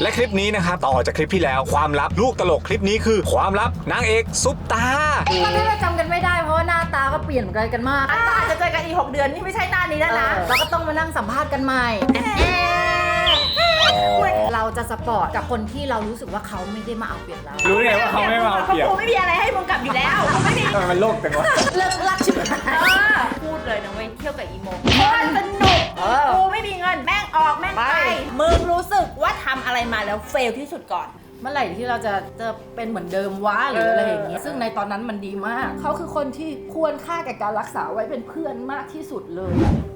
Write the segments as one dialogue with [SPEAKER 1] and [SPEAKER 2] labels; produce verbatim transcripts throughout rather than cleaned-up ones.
[SPEAKER 1] และคลิปนี้นะครับต่อจากคลิปที่แล้วความลับลูกตลกคลิปนี้คือความลับนางเอกซุปตา
[SPEAKER 2] ก็ถ้าเราจำกันไม่ได้เพราะว่าหน้าตาก็เปลี่ยนไปกันมาก
[SPEAKER 3] ก็อาจจะเจอกันอีกหกเดือนนี่ไม่ใช่หน้านี้แล้วนะ
[SPEAKER 2] เราก็ต้องมานั่งสัมภาษณ์กันใหม่เราจะสปอร์ตกับคนที่เรารู้สึกว่าเขาไม่ได้มาเอาเปรียบเรา
[SPEAKER 1] รู้ไงว่าเขาไม่มาเอาเปรียบ
[SPEAKER 3] กูไม่มีอะไรให้มึงกลับอยู่แล้วไม่มี
[SPEAKER 1] มันโลกแต่ว่า
[SPEAKER 2] เลิกรักชิบหาย
[SPEAKER 3] พูดเลยนะเว้ยเที่ยวกับอีโมโคตรสนุกกูไม่มีเงินแม่งออกแม่งไปมึงรู้สึกว่าทำอะไรมาแล้วเฟลที่สุดก่อน
[SPEAKER 2] เมื่อไหร่ที่เราจะจะเป็นเหมือนเดิมวะหรืออะไรอย่างเงี้ยซึ่งในตอนนั้นมันดีมากเขาคือคนที่ควรค่าแก่การรักษาไว้เป็นเพื่อนมากที่สุดเลย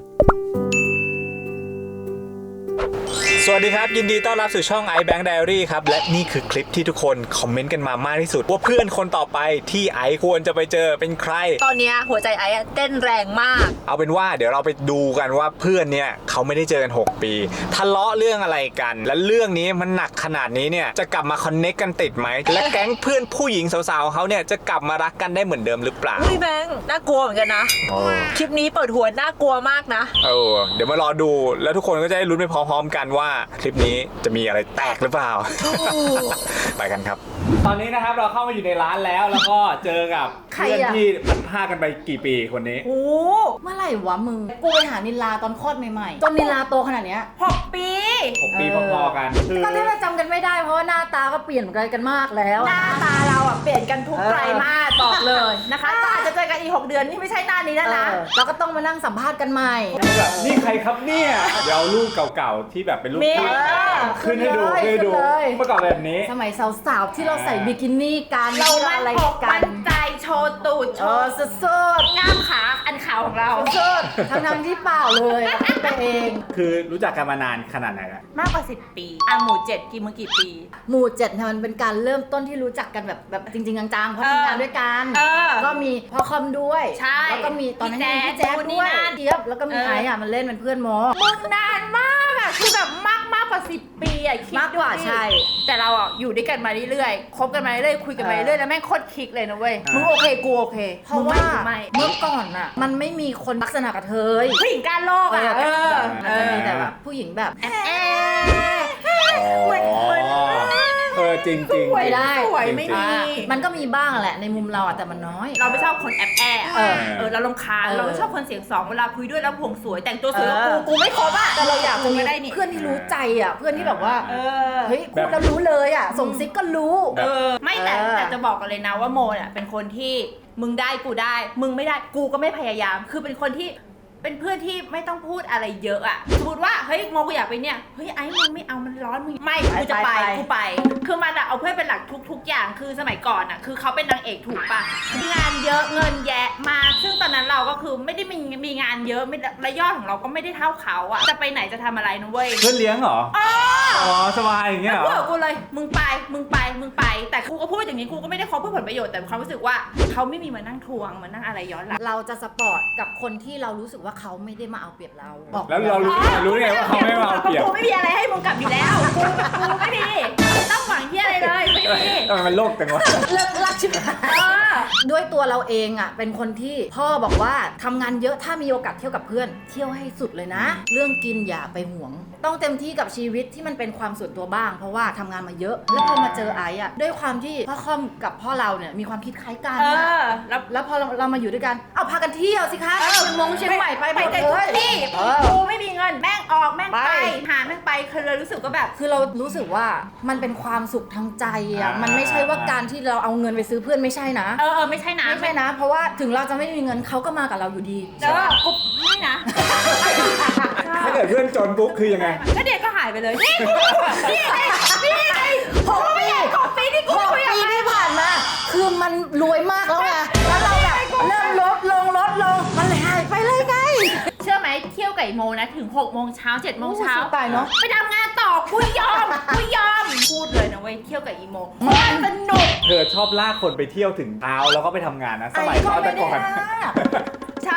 [SPEAKER 1] สวัสดีครับยินดีต้อนรับสู่ช่อง iBank Diary ครับและนี่คือคลิปที่ทุกคนคอมเมนต์กันมามากที่สุดว่าเพื่อนคนต่อไปที่ไอควรจะไปเจอเป็นใคร
[SPEAKER 3] ตอนนี้หัวใจไอเต้นแรงมาก
[SPEAKER 1] เอาเป็นว่าเดี๋ยวเราไปดูกันว่าเพื่อนเนี่ยเขาไม่ได้เจอกันหกปีทะเลาะเรื่องอะไรกันและเรื่องนี้มันหนักขนาดนี้เนี่ยจะกลับมาคอนเนคกันติดไหมและแก๊งเพื่อนผู้หญิงสาวๆเขาเนี่ยจะกลับมารักกันได้เหมือนเดิมหรือเปล่า
[SPEAKER 3] พี่แบงค์น่ากลัวเหมือนกันนะคลิปนี้เปิดหัวน่ากลัวมากนะ
[SPEAKER 1] เออเดี๋ยวมารอดูแล้วทุกคนก็จะได้ลุ้นไปพร้อมๆกันว่าคลิปนี้จะมีอะไรแตกหรือเปล่า ไปกันครับตอนนี้นะครับเราเข้ามาอยู่ในร้านแล้วแล้วก็เจอกับเพื่อนที่พัดผ้ากันไปกี่ปีคนนี้
[SPEAKER 2] โอ้เมื่อไหร่วะมึงกูไปหานิลาตอนคลอดใหม่ๆจนนิลาโตขนาดเนี้ย
[SPEAKER 3] หกปี
[SPEAKER 1] หกปีพอๆกัน
[SPEAKER 2] ก็ถ้าเราจำกันไม่ได้เพราะว่าหน้าตาก็เปลี่ยนไปกันมากแล้ว
[SPEAKER 3] หน้าตาเราอ่ะเปลี่ยนกันทุกไตรมาสบอกเลยนะคะก็อาจจะเจอกันอีกหกเดือนนี่ไม่ใช่หน้านี้แล้วนะ
[SPEAKER 2] เราก็ต้องมานั่งสัมภาษณ์กันใหม่
[SPEAKER 1] นี่ใครครับเนี่ยเดี๋ยวรูปเก่าๆที่แบบเป็นรูปขึ้นให้ดูขึ้นให้ดูเมื่อก่อนแบบนี้
[SPEAKER 2] สมัยสาวๆที่เราใส่บิกินี่กัน
[SPEAKER 3] เราอะไรกันใจโชว์ตูดโชว์สุดๆง่ามขาอันขาวของเรา
[SPEAKER 2] สุดทั้งนั้นที่เปล่าเลยไปเอง
[SPEAKER 1] คือรู้จักกันมานานขนาดไหนอะ
[SPEAKER 3] มากกว่าสิบปีอ่ะหมู่เจ็ดกี่มึงกี่ปี
[SPEAKER 2] หมู่เจ็ดมันเป็นการเริ่มต้นที่รู้จักกันแบบแบบจริงๆจังๆเพราะทำงานด้วยกันก็มีพ่อคอมด้วยแล้วก็มีตอนนั้นมีพี่แจ๊คด้วยเจี๊ยบแล้วก็มีไอ้อะมันเล่นเป็นเพื่อนโม
[SPEAKER 3] มึงนานมากอะคือแบบมากมากกว่าสิบปีอะคิด
[SPEAKER 2] มากกว่าใช่
[SPEAKER 3] แต่เราอ่ะอยู่ด้วยกันมาเรื่อยๆคบกันมาเรื่อยๆคุยกันมาเรื่อยๆแล้วแม่งโคตรคลิกเลยนะเว้ยมึงโอเคกูโอเค
[SPEAKER 2] เพราะว่าเมื่อก่อนอะมันไม่มีคนลักษณะกระเทย
[SPEAKER 3] ผู้หญิงการโลกอะ
[SPEAKER 2] เออมันจะมีแต่แบบผู้หญิงแบบแอบ
[SPEAKER 3] เหมือนเหมือน
[SPEAKER 1] เออจริงจริง
[SPEAKER 3] สวยได้สวยไม่มี
[SPEAKER 2] มันก็มีบ้างแหละในมุมเราอะแต่มันน้อย
[SPEAKER 3] เราไม่ชอบคนแอบแอบเออเออเราลงคาเราไม่ชอบคนเสียงสองเวลาคุยด้วยแล้วผงสวยแต่งตัวสวยกูกูไม่คบอะ
[SPEAKER 2] แต่เราอยากจะมีเพื่อนที่รู้ใจอะเพื่อนที่แบบว่าเฮ้ยพูดแล้วรู้เลยอะส่งซิกก็รู้
[SPEAKER 3] เออไม่แต่แต่จะบอกกันเลยนะว่าโมเนี่ยเป็นคนที่มึงได้กูได้มึงไม่ได้กูก็ไม่พยายามคือเป็นคนที่เป็นเพื่อนที่ไม่ต้องพูดอะไรเยอะอะสมมติว่าเฮ้ยโมกูอยากไปเนี่ยเฮ้ยไอ้มึงไม่เอามันร้อนมึงไม่กูจะไปกูไปคือมันอะเอาเพื่อนเป็นหลักทุกๆอย่างคือสมัยก่อนอะคือเขาเป็นนางเอกถูกปะงานเยอะเงินแยะมาซึ่งตอนนั้นเราก็คือไม่ได้มีมีงานเยอะไม่ระยอดของเราก็ไม่ได้เท่าเขาอะจะไปไหนจะทำอะไรนะเว้ย
[SPEAKER 1] เพื่อนเลี้ยงเหรออ๋อสบายอย่างเงี้ยเหรอ
[SPEAKER 3] กูเลยมึงไปมึงไปมึงไปแต่กูก็พูดอย่างนี้กูก็ไม่ได้คบเพื่อผลประโยชน์แต่ความรู้สึกว่าเขาไม่มีมานั่งทวงมานั่งอะไรย้อนหลัง
[SPEAKER 2] เราจะสปอร์ตกับคนที่เรารู้สึกว่าเขาไม่ได้มาเอาเปรียบเรา
[SPEAKER 1] แล้วเรารู้รู้ไงว่าเขาไม่มาเอาเปรียบ
[SPEAKER 3] กูไม่มีอะไรให้มึงกลับอยู่แล้วกูกูไม่มีต้องหวังที่อะไรเลยไม่มี
[SPEAKER 1] มันโลกแต่ว่า
[SPEAKER 2] เลิกรักชิบหายด้วยตัวเราเองอ่ะเป็นคนที่พ่อบอกว่าทำงานเยอะถ้ามีโอกาสเที่ยวกับเพื่อนเที่ยวให้สุดเลยนะเรื่องกินอย่าไปหวงต้องเต็มที่กับชีวิตที่มันเป็นความส่วนตัวบ้างเพราะว่าทำงานมาเยอะแล้วพอมาเจอไอ้อ่ะด้วยความที่พ่อคอมกับพ่อเราเนี่ยมีความคิดคล้ายกันแล้วแล้วพอเราเรามาอยู่ด้วยกันเอาพากันเที่ยวสิคะเชียงมงเชียงใหม่ไปหมดเลย
[SPEAKER 3] กูไม่มีเงินแม่งออกแม่งไปหาแม่งไปคือเรารู้สึกก็แบบ
[SPEAKER 2] คือเรารู้สึกว่ามันเป็นความสุขทางใจอ่ะมันไม่ใช่ว่าการที่เราเอาเงินไปซื้อเพื่อนไม่ใช่นะ
[SPEAKER 3] เออไม่ใช่นะ
[SPEAKER 2] ไม่ใช่นะเพราะว่าถึงเราจะไม่มีเงินเขาก็มากับเราอยู่ดี
[SPEAKER 3] แต่ว่ากูไม่นะ
[SPEAKER 1] ถ้าเกิดเพื่อนจนปุ๊บคือยังไง
[SPEAKER 3] ก็เด็กก็หายไปเลยนี่นี่นี่หกปีหกปีที่กูคุยกับ
[SPEAKER 2] มันที่ผ่านมาคือมันรวยมากแล้วไงแล้วเราแบบเริ่มลดลงลดลงมันหายไปเลยไง
[SPEAKER 3] เชื่อไหมเที่ยวไก่โมนะถึงหกโมงเช้าเจ็ดโมงเช้า
[SPEAKER 2] ตายเนาะ
[SPEAKER 3] ไปทำงานต่อกูยอมกูยอมพูดเลยนะเว้ยเที่ยวกับอีโมมันสนุก
[SPEAKER 1] เธอชอบลากคนไปเที่ยวถึงเช้าแล้วก็ไปทำงานนะสมัยตอนแต่ก่อน
[SPEAKER 3] ชอบติ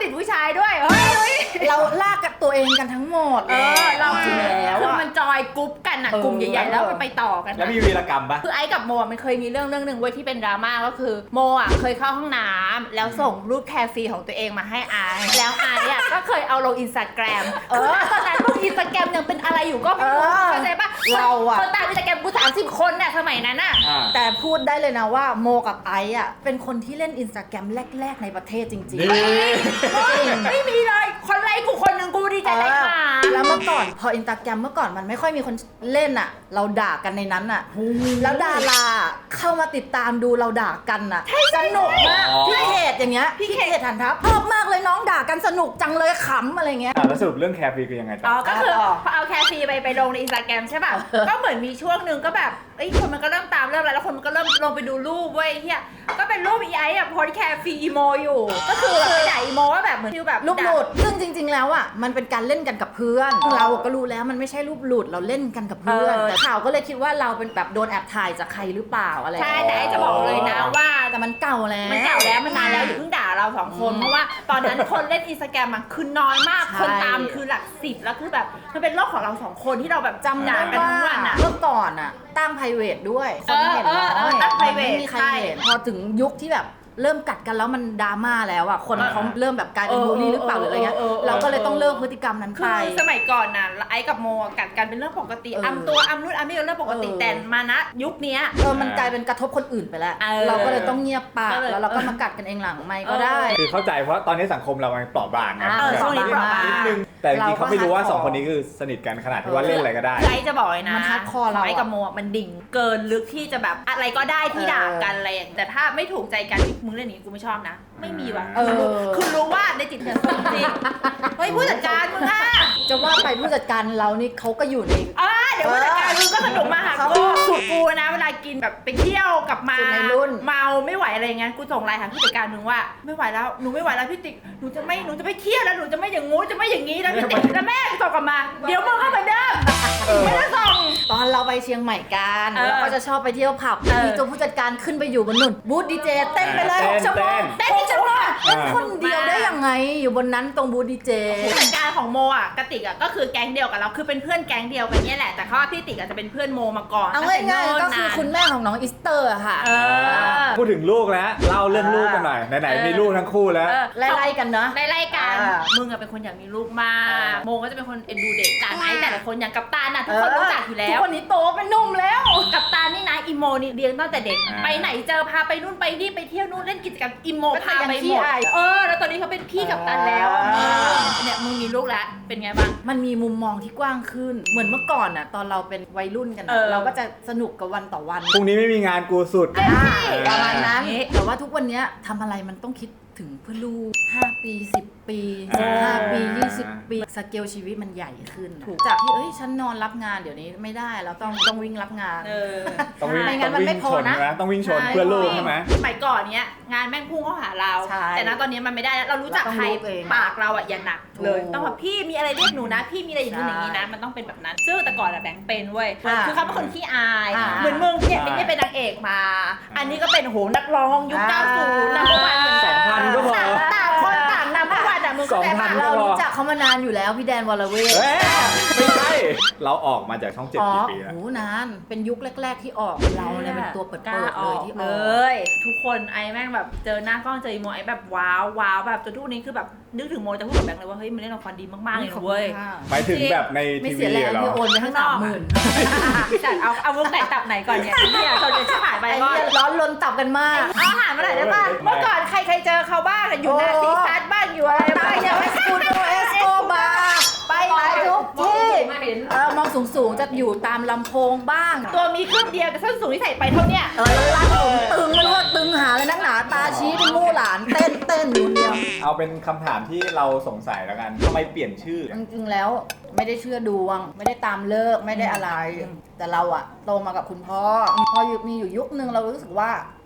[SPEAKER 3] ติดผู้ชายด้วยเฮ้ยเฮ้ย
[SPEAKER 2] เราลากกับตัวเองกันทั้งหมด
[SPEAKER 3] เออเรา
[SPEAKER 2] จริงแล้ว
[SPEAKER 3] คือ
[SPEAKER 2] อะ
[SPEAKER 3] มันจอยกรุ๊ปกันอ่ะ
[SPEAKER 2] เออก
[SPEAKER 3] ลุ่มใหญ่ๆแล้วมันไปต่อกัน
[SPEAKER 1] แล้วมีวีรกรรมปะ
[SPEAKER 3] คือไอ้กับโมอะมันเคยมีเรื่องเรื่องหนึ่งเว้ยที่เป็นดราม่าก็คือโมอ่ะเคยเข้าห้องน้ำแล้วส่งรูปแคร์ฟรีของตัวเองมาให้ไอซ์แล้วไอซ์อ่ะก็เคยเอาลงอินสตาแกรมคือณตอนนั้นพวกอินสตาแกรมยังเป็นอะไรอยู่ก็ไม่รู้
[SPEAKER 2] เออ
[SPEAKER 3] เข้าใจปะ
[SPEAKER 2] เราอะ
[SPEAKER 3] คนตามอินสตาแกรมกูสามสิบคนน่ะสมัยนั้นอ่ะ
[SPEAKER 1] อ่า
[SPEAKER 2] แต่พูดได้เลยนะว่าโมกับไอซ์อ่ะเป็นคนที่เล่นอินสตาแกรมแรก ๆ ในประเทศจริง
[SPEAKER 1] นี่
[SPEAKER 2] ๆ
[SPEAKER 3] ไม่มีเลยคนไลค์กูคนหนึ่งกูดีใจได้ค่ะ
[SPEAKER 2] แล้วเมื่อก่อนพออินสตาแกรมเมื่อก่อนมันไม่ค่อยมีคนเล่นอ่ะ เราด่ากันในนั้นอ่ะ แล้วดาราเข้ามาติดตามดูเราด่ากันอ่ะสนุกมาก
[SPEAKER 1] อ๋อ
[SPEAKER 2] พี่เขตอย่างเงี้ยพี่เขตฐานทัพชอบมากเลยน้องด่ากันสนุกจังเลยขำอะไรเงี้ย
[SPEAKER 1] อ่ะแล้วสรุปเรื่องแคร์ฟรีคือยังไง
[SPEAKER 3] อ๋
[SPEAKER 1] ต่
[SPEAKER 3] อ
[SPEAKER 1] อ
[SPEAKER 3] ก็คือ
[SPEAKER 2] ต่อ
[SPEAKER 3] พอเอาแคร์ฟรีไปไปลงในอินสตาแกรมใช่ป่ะ
[SPEAKER 2] เออ
[SPEAKER 3] ก็เหมือนมีช่วงหนึ่งก็แบบเอ้ยคนมันก็เริ่มตามเริ่มอะไรแล้วคนมันก็เริ่มลงไปดูรูปเว้ยเฮียก็เป็นรูปอีไอ้อะโพสแคร์ฟรีอีโมอยู่ ก็คือแบบไปด่าอีโมว่าแบบเหมือนฟิลแบบ
[SPEAKER 2] รูปหลุดซึ่งจริง ๆ แล้วอ่ะมันเป็นการเล่นกันกับเพื่อน เราก็รู้แล้วมันไม่ใช่รูปหลุดเราเล่นกันกับเพื่อน แต่ข่าวก็เลยคิดว่าเราเป็นแบบโดนแอบถ่ายจากใครหรือเปล่าอะไร
[SPEAKER 3] ใช่แต่ไอ้จะบอกเลยนะว่า
[SPEAKER 2] แต่มันเก่าแล้ว
[SPEAKER 3] มันเก่าแล้วมันนานแล้วอย่าเพิ่งด่าเราสองคน
[SPEAKER 2] อืม
[SPEAKER 3] เพราะว่าตอนนั้นคนเล่นอินสตาแกรมมันคือน้อยมาก
[SPEAKER 2] ใช่
[SPEAKER 3] คนตามคือหลักสิบแล้วคือแบบมันเป็นโลกของเราสองคนที่เราแบบ
[SPEAKER 2] จำ
[SPEAKER 3] ด่า
[SPEAKER 2] ได้
[SPEAKER 3] กัน
[SPEAKER 2] ว่า
[SPEAKER 3] ทั้งวันอ่ะ
[SPEAKER 2] เมื่อก่อนอ่ะตั้ง private ด้วยคนเห็น
[SPEAKER 3] เออเอ
[SPEAKER 2] น้
[SPEAKER 3] อ
[SPEAKER 2] อย
[SPEAKER 3] เออตั้ง
[SPEAKER 2] มันไม่
[SPEAKER 3] private
[SPEAKER 2] มีใคร
[SPEAKER 3] ใช่
[SPEAKER 2] เห็นพอถึงยุคที่แบบเริ่มกัดกันแล้วมันดราม่าแล้วอ่ะคนเขาเริ่มแบบกลายเป็น
[SPEAKER 3] เออ
[SPEAKER 2] บูลลี่หรือเปล่าหรืออะไรเงี้ย
[SPEAKER 3] เออเออเออ
[SPEAKER 2] เราก็เลยต้องเลิกพฤติกรรมนั้น
[SPEAKER 3] คื
[SPEAKER 2] ไป
[SPEAKER 3] อสมัยก่อนน่ะไอ้กับโมกัดกันเป็นเรื่องปกติ
[SPEAKER 2] เออ
[SPEAKER 3] อัมตัวอัมนู่นอัมนี่เป็นเรื่องปกติ
[SPEAKER 2] เออ
[SPEAKER 3] แต่มานะยุคเนี้ย
[SPEAKER 2] เออมันกลายเป็นกระทบคนอื่นไปแล้ว
[SPEAKER 3] เออ
[SPEAKER 2] เราก็เลยต้องเงียบปาก
[SPEAKER 3] ก็เลย
[SPEAKER 2] แล้วเราก็มากัดกันเองหลังไม่ก็ได้
[SPEAKER 1] คือเข้าใจเพราะตอนนี้สังคมเรามันเปราะบางไง
[SPEAKER 2] เออ
[SPEAKER 1] แบบ
[SPEAKER 3] ช่วงนี้เปราะบาง
[SPEAKER 1] นิดนึงแต่จริงๆเขาไม่รู้ว่า
[SPEAKER 2] เราก็
[SPEAKER 1] สองคนนี้คือสนิทกันขนาดที่ว่าเล่นอะไรก็ได้
[SPEAKER 3] ไอ้จะบอกเลยนะ
[SPEAKER 2] มัน hardcore เราอะ
[SPEAKER 3] ไอ้กับโมอะมันดิ่งเกินลึกที่จะแบบอะไรก็ได้ที่ด่ากันอะไรอย่างแต่ถ้าไม่ถูกใจกันมึงเล่นอย่างนี้กูไม่ชอบนะ ไม่มีว่ะ
[SPEAKER 2] เออ
[SPEAKER 3] คือรู้คือรู้ว่าในจิตเนี่ยจริงเฮ้ยผู้จัดการมึงอ่ะ
[SPEAKER 2] จะว่าไปผู้จัดการเรานี่เขาก็อยู่ใน
[SPEAKER 3] อ่าเดี๋ยวผู้จัดการมึงก็สนุกมาหา
[SPEAKER 2] เขา
[SPEAKER 3] กูสุกูนะเวลากินแบบไปเที่ยวกลับมา
[SPEAKER 2] สุดในรุ่น
[SPEAKER 3] เมาไม่ไหวอะไรเงี้ยกูส่งไลน์หาผู้จัดการมึงว่าไม่ไหวแล้วหนูไม่ไหวแล้วพี่ติ๊กหนูจะไม่หนูจะไม่เที่ยวแล้วหนูจะไม่อย่างงู้นจะไม่อย่างงี้แล้วพี่ติ๊กแล้วแม่ส่งกลับมาเดี๋ยวมึงก็เหมือนเดิมไม่ได้ส่ง
[SPEAKER 2] ตอนเราไปเชียงใหม่กัน
[SPEAKER 3] เออ
[SPEAKER 2] แล้วก็จะชอบไปเที่ยวผับ
[SPEAKER 3] เออ
[SPEAKER 2] มีตัวผู้จัดการขึ้นไปอยู่บนนุ่นบูธดีเจเต้นไปเลย
[SPEAKER 1] เต้น
[SPEAKER 2] หกชั่วโมง
[SPEAKER 3] เต้นที่จังหวะ
[SPEAKER 2] เต้นคนเดียวได้ยังไงอยู่บนนั้นตรงบูธดีเจ
[SPEAKER 3] ผู้จัดการของโมอ่ะกติกอ่ะก็คือแก๊งเดียวกับเราคือเป็นเพื่อนแก๊งเดียวกันเนี่ยแหละแต่เขาว่าพี่ติ๊กอาจจะเป็นเพื่อนโมมาก่อน
[SPEAKER 2] เอา
[SPEAKER 3] ตั้งแต่
[SPEAKER 2] ง่ายๆก็
[SPEAKER 3] เนิ่น
[SPEAKER 2] คือน
[SPEAKER 3] าน
[SPEAKER 2] คุณแม่ของน้องอิสเตอร์อะค่ะ
[SPEAKER 3] เออ
[SPEAKER 1] พูดถึงลูกแล้วเล่าเรื่องลูกกันหน่อยไหน
[SPEAKER 3] เออ
[SPEAKER 1] ๆมีลูกทั้งคู่แล้ว
[SPEAKER 3] เออ
[SPEAKER 2] ไล่ๆกันเนาะ
[SPEAKER 3] ไล่ๆกัน
[SPEAKER 2] อ่า
[SPEAKER 3] มึงอะเป็นคนอยากมีลูกมาก
[SPEAKER 2] อ่า
[SPEAKER 3] โมก็จะเป็นคนเอ็นดูเด็กต่างไอ้แต่ละคนอย่างกัปตันอะทุกคนรู้จักอยู่แล้
[SPEAKER 2] ทุ
[SPEAKER 3] ว
[SPEAKER 2] กคนนี้โตเป็นหนุ่มแล้ว
[SPEAKER 3] กัปตันนี่นะอีโมนี่เลี้ยงตั้งแต่เด็ก
[SPEAKER 1] อ่า
[SPEAKER 3] ไปไหนเจอพาไปนู่นไปนี่ไปเที่ยวนู่นเล่นกิจกรรมอีโม
[SPEAKER 2] ก็
[SPEAKER 3] พา
[SPEAKER 2] ยัง
[SPEAKER 3] ไป
[SPEAKER 2] ขี้
[SPEAKER 3] หมด
[SPEAKER 2] อาย
[SPEAKER 3] เออแล้วตอนนี้เขาเป็นพี่กัปตันแล้ว
[SPEAKER 2] อ่า
[SPEAKER 3] เนี่ยมึงมีลูกแล้วเป็นไงบ้าง
[SPEAKER 2] มันมีมุมมองที่กว้างขึ้น เหมือนเมื่อก่อนอะตอนเราเป็นวัยรุ่นกัน
[SPEAKER 3] เอ
[SPEAKER 2] อะ
[SPEAKER 3] อ
[SPEAKER 2] เราก็จะสนุกกับวันต่อวัน
[SPEAKER 1] พรุ่งนี้ไม่มีงานกูสุด
[SPEAKER 3] เต็มที่
[SPEAKER 2] ประมาณนั้น
[SPEAKER 3] อย่างนี้
[SPEAKER 2] แต่ว่าทุกวันเนี้ยทำอะไรมันต้องคิดถึงเพื่อลูกห้าปีสิบปี
[SPEAKER 1] อ่า
[SPEAKER 2] ห้าปียี่สิบปีสเกลชีวิตมันใหญ่ขึ้น จากที่เอ้ยฉันนอนรับงานเดี๋ยวนี้ไม่ได้เราต้องต้องวิ่งรับงาน
[SPEAKER 3] เออ
[SPEAKER 1] ต้องวิ่ง
[SPEAKER 2] ไม่งั้นมันไม่พอนะ
[SPEAKER 1] ต้องวิ่งชนเพื่อลูกใช่ไหม
[SPEAKER 3] สมัยก่อนเนี้ยงานแม่งพุ่งเข้าหาเรา
[SPEAKER 2] ใช่
[SPEAKER 3] แต่ณตอนนี้มันไม่ได้แล้วเรารู้จัก
[SPEAKER 2] เราต้อง
[SPEAKER 3] ใคร
[SPEAKER 2] รู้เอง
[SPEAKER 3] ปากเราอ่ะอย่าหนักเลย
[SPEAKER 2] ถูก
[SPEAKER 3] ต้องแบบพี่มีอะไรเรียกหนูนะ พี่มีอะไรอย่างนู้นอย่างนี้นะ
[SPEAKER 2] ใช่
[SPEAKER 3] มันต้องเป็นแบบนั้นซึ่งแต่ก่อนอะแบงค์เป็นเว้ย
[SPEAKER 2] อ่า
[SPEAKER 3] คือเขาเป็นคนขี้อาย
[SPEAKER 2] อ่า
[SPEAKER 3] เหมือนมึงเนี่ย
[SPEAKER 1] ใช่
[SPEAKER 3] ไม่ได้เป็นนางเอกมา อันนี้ก็เป็นโหนักร้องยุค
[SPEAKER 2] อ่า
[SPEAKER 3] เก้าสิบนัมเบอร์วันเหมือน
[SPEAKER 1] ส
[SPEAKER 3] กั
[SPEAKER 1] องพันก็พอ
[SPEAKER 3] ต่างคนต่างนัมเบอร์วันอะมึงเข้าใจ
[SPEAKER 1] สองพั
[SPEAKER 3] ปะ
[SPEAKER 1] น
[SPEAKER 2] เรารู้จักเขามานานอยู่แล้วพี่แดนวรเวท
[SPEAKER 1] เอ้ยไม่ใช่เราออกมาจากช่องเจ็ด
[SPEAKER 2] อ๋อ
[SPEAKER 1] กี่ปีแล้ว
[SPEAKER 2] โหนานเป็นยุคแรก ๆที่ออกเราเนี่ยเป็นตัวเปิด
[SPEAKER 3] กล้า
[SPEAKER 2] เปิด
[SPEAKER 3] อ
[SPEAKER 2] เล
[SPEAKER 3] อย ก
[SPEAKER 2] ที่อ
[SPEAKER 3] เล
[SPEAKER 2] อก
[SPEAKER 3] ย ทุกคนไอ้แม่งแบบเจอหน้ากล้องเจออีโมไอ้แบบว้าวว้าวแบบจนทุกวันนี้คือแบบนึกถึงโมจะพูดกับแบงค์เลยว่าเฮ้ยมันเล่นละครดีมากๆเลยนะเว้ย
[SPEAKER 1] หมายถึงแบบใน
[SPEAKER 2] ไม่
[SPEAKER 1] ที
[SPEAKER 2] เสี
[SPEAKER 1] วี
[SPEAKER 2] ยแรง
[SPEAKER 1] เหรอ
[SPEAKER 2] ที่โอนไปทั้งสามหมื่น
[SPEAKER 3] จัดเอาเอามุกไหนตับไหนก่อนเนี่ยเนี่ยตอนนี้ชิบหายไป
[SPEAKER 2] ไอ้
[SPEAKER 3] ก่อน
[SPEAKER 2] เนี่ยร้อนลนตับกันมาก
[SPEAKER 3] เอาอาหารมาหน่อยได้ป่ะเมื่อก่อนใครใครเจอเขาบ้างอะอยู่นาซีซัดบ้างอยู่อะไร
[SPEAKER 2] ตา
[SPEAKER 3] บ้าง
[SPEAKER 2] ยอย่างสกูโดเอสโกบาไปไหนทุกที่
[SPEAKER 3] มาเห็น
[SPEAKER 2] เออมองสูงๆจะอยู่ตามลำโพงบ้าง
[SPEAKER 3] ตัวมีเครื่องเดียวแต่ส้นสูงที่ใส่ไปเท่าเนี้ย
[SPEAKER 2] เออรัดผมตึงไม่รู้ว่าตึงหาเลยนักหนาตาชี้เป็นมู่หลานเต้นเต้นอยู่เดียว
[SPEAKER 1] เอาเป็นคำถามที่เราสงสัยแล้วกันทำไมเปลี่ยนชื่อ
[SPEAKER 2] จริงๆแล้วไม่ได้เชื่อดวง ไม่ได้ตามเลิกษ์ไม่ได้อะไร แต่เราอะโตมากับคุณพ่อพออยู่มีอยู่ยุคนึงเรารู้สึกว่า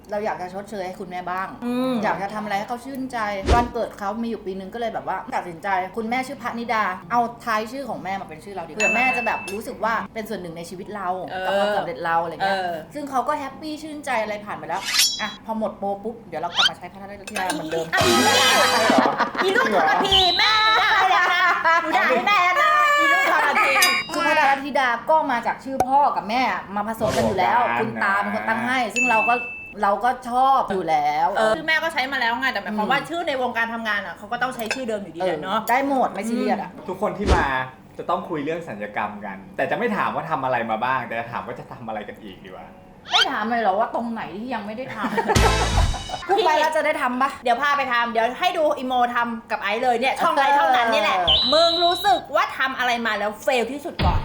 [SPEAKER 2] เราอยากจะชดเชยให้คุณแม่บ้าง
[SPEAKER 3] อืม
[SPEAKER 2] อยากจะทำอะไรให้เขาชื่นใจวันเกิดเขามีอยู่ปีนึงก็เลยแบบว่าตัดสินใจคุณแม่ชื่อพระนิดาเอาท้ายชื่อของแม่มาเป็นชื่อเราดีกว่าเผื่อแม่จะแบบรู้สึกว่าเป็นส่วนหนึ่งในชีวิตเรา
[SPEAKER 3] เออ
[SPEAKER 2] กับความสำเร็จเราอะไรเงี้ย
[SPEAKER 3] เออ
[SPEAKER 2] ซึ่งเขาก็แฮปปี้ชื่นใจอะไรผ่านไปแล้วอ่ะพอหมดโปรปุ๊บเดี๋ยวเรากลับมาใช้พระนิดาเหมือนเดิม
[SPEAKER 3] อีลูกอีลูกทรพีแม่ได้แล้วนะหนูด่าให้แม่แล้วนะอีลูกทรพี
[SPEAKER 2] คือพระดาธิดาก็มาจากชื่อพ่อกับแม่มาผสมกันอยู่แล้ว คุณตาเป็นคนตั้งให้ ซึ่งเราก็เราก็ชอบอยู่แล้ว
[SPEAKER 3] เออชื่อแม่ก็ใช้มาแล้วไงแต่หมายความว่าชื่อในวงการทำงานอ่ะเขาก็ต้องใช้ชื่อเดิมอยู่ดี
[SPEAKER 2] เอ
[SPEAKER 3] แห
[SPEAKER 2] อ
[SPEAKER 3] ละเนาะ
[SPEAKER 2] ได้หมดไม่ซีเรียสอ่ะ
[SPEAKER 1] ทุกคนที่มาจะต้องคุยเรื่องสัญญกรรมกัน แต่จะไม่ถามว่าทำอะไรมาบ้าง แต่จะถามว่าจะทำอะไรกันอีกดีกว่า
[SPEAKER 2] ไม่ถามเลยเหรอว่าตรงไหนที่ยังไม่ได้ทำ พูดไปแล้วจะได้ทำปะ
[SPEAKER 3] เดี๋ยวพาไปทำเดี๋ยวให้ดูอีโมทำกับไอซ์เลยเนี่ยช่องไอซ์เท่านั้นนี่แหละมึงรู้สึกว่าทำอะไรมาแล้วเฟลที่สุดก่อน